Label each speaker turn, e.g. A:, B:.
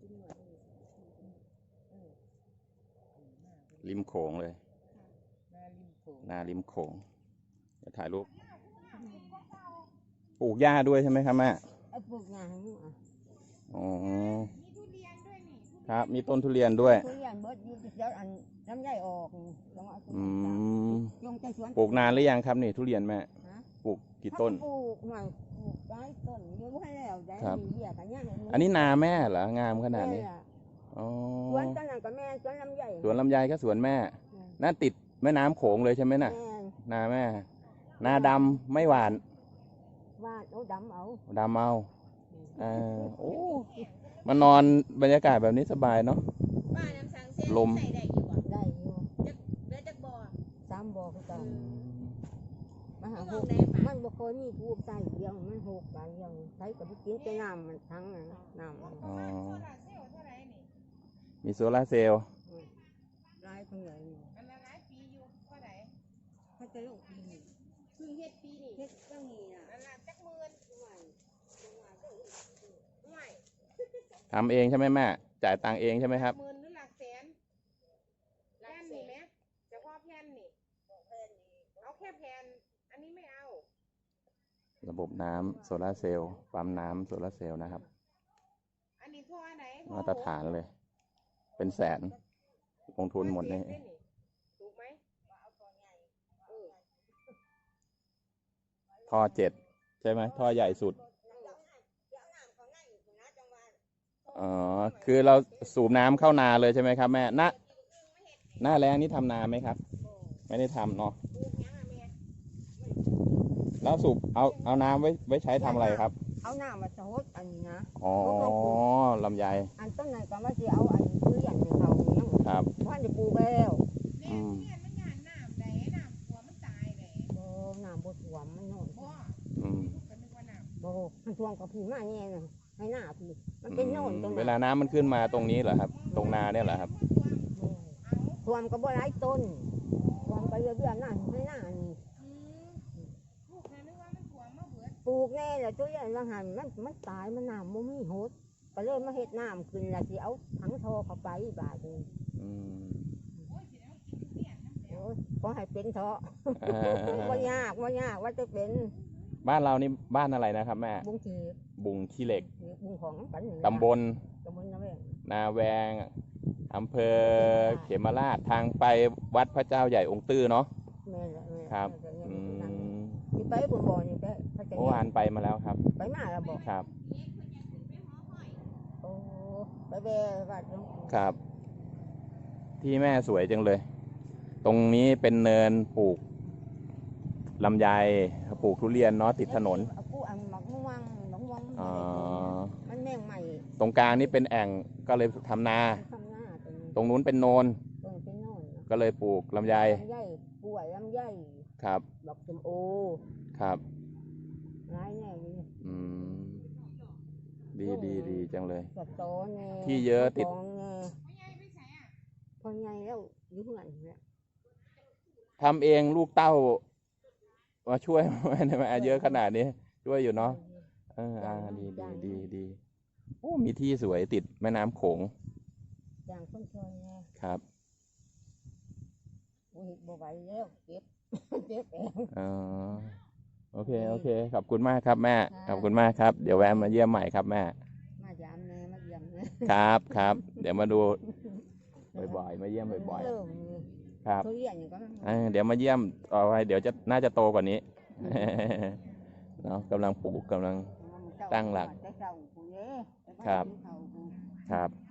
A: ริมโขงเลยนาริมโขงจะถ่ายรูปปลูกหญ้าด้วยใช่ไหมครับแม่
B: ปลูกหญ้า
A: อ๋อครับมีต้นทุเรียนด้วย
B: ทุเรียนเบิดอยู่เดี๋ยวอันน้ำใหญ่ออก
A: ปลูกนานหรือยังครับนี่ทุเรียนแม่ปลูกกี่ต้น
B: ปลูกหน่อยปลูกได้ต้นเยอะให้แล้วได้มีเบี้ยกันย่าง
A: อันนี้นาแม่เหรองามขนาดนี้
B: สวนต้นนั้นก็แม่สวนลำไย
A: สวนลำไยก็สวนแม่นั่นติดแม่น้ำโขงเลยใช่ไหมน่ะนาแม่นาดำไม่หวาน
B: เอาดำ
A: เอาโอ้มานอนบรรยากาศแบบนี้สบายเนาะลม
B: ได้อยู่เดือจากบ่อ3 บ่อคือกันมันบ่เคยมีทูบใส่เดียวมันหกใส่เดียวใช้กับกินแต่น้ำมันทั้งน้
A: ำมีโซลาเซลล์
B: รายเท่าไหร่อันละหลายปีอยู่เท่าไหร่เขาจะลงปีนี้เพิ่งเฮ็ดปีนี้เฮ็ดตั้งนี้น่ะอันละจักหมื่น
A: ทำเองใช่ไหมแม่จ่ายตังค์เองใช่ไหมครับ
B: หมื่นหรือหลักแสนแผ่นนี่ไหมเฉพาะแผ่นนี่เอาแค่แผ่นอันนี้ไม่เอา
A: ระบบน้ำโซลาเซลล์ปั๊มน้ำโซลาเซลล์นะครับ
B: อันนี้ท่อไหน
A: มาตรฐานเลยเป็นแสนลงทุนหมดนี่
B: ถูกไหม
A: ท่อ7ใช่ไหมท่อใหญ่สุดอ๋อคือเราสูบน้ำเข้านาเลยใช่ไหมครับแม่หน้าแรงนี่ทำนาไหมครับไม่ได้ทำเนาะแล้วสูบเอาน้ำไว้ใช้ทำอะไรครับ
B: เอาน้ำมาสดอันนี้นะ
A: อ๋อลำไย
B: อันต้นไหนก็มาเอาอันซื้ออย่างเขาเนี่ย
A: ครับ
B: บ้านจะปลูกแล้วน้ำบดหวมมันนอนมันท่วมกับพี่มาเนี่ยนะให้หน้าพี่มันเป็นโน่นตรง
A: เวลาน้ำมันขึ้นมาตรงนี้เหรอครับตรงนาเนี่ยเหรอครับ
B: ท่วมก็บ่หลายต้นท่วมก็เยอะๆหน้าให้หน้านี่ปลูกแน่เลยตัวใหญ่ละหันมันตายมันน้ำมันไม่หดก็เลยมาเห็ดน้ำขึ้นแล้วที่เอาถังโทเข้าไปบาดนึงก็ให้เป็นเถอะว่ายากว่าจะเป็น
A: บ้านเรานี่บ้านอะไรนะครับแม่บุงขี้เหล็กตำบลนาแวงอำเภอเขมราชทางไปวัดพระเจ้าใหญ่องค์ตื้อเนาะครับ
B: ไปบนบ่อนี่
A: เมื่อวานไปมาแล้วครับ
B: ไปมาแล้วบอก
A: ครับ
B: โอ้ไปแบ่วัด
A: ครับที่แม่สวยจังเลยตรงนี้เป็นเนินปลูกลำไยปลูกทุเรียนเนาะติดถนน
B: มันแม่งใหม่
A: ตรงกลางนี่เป็นแอ่งก็เลยทำนาตรงนู้นเป็นโนนก็เลยปลูกลำไย
B: ป่วยลำไย
A: ครับ
B: ดอกชมโอ
A: ครับ
B: ร้ายแน่
A: ดีจังเลย
B: ที่
A: เยอะติด
B: พอไงแล้วยุ่งอะไรเนี่ย
A: ทำเองลูกเต้ามาช่วยไม่เยอะขนาดนี้ช่วยอยู่เนาะดีโอ้มีที่สวยติดแม่น้ำโขง
B: อย่างคนชนไง
A: ครับ
B: บ่ไหวแล้วเก็บเอง
A: โอเคขอบคุณมากครับแม่ขอบคุณมากครับเดี๋ยวแวะมาเยี่ยมใหม่ครับแม่
B: มาย้ำเลยมาเยี่ยมเลย
A: ครับเดี๋ยวมาดูบ่อยๆมาเยี่ยมบ่อยๆครับเดี๋ยวมาเยี่ยมต่อไปเดี๋ยวน่าจะโตกว่านี้เนาะกำลังปลูกกำลังตั้งหลักครับ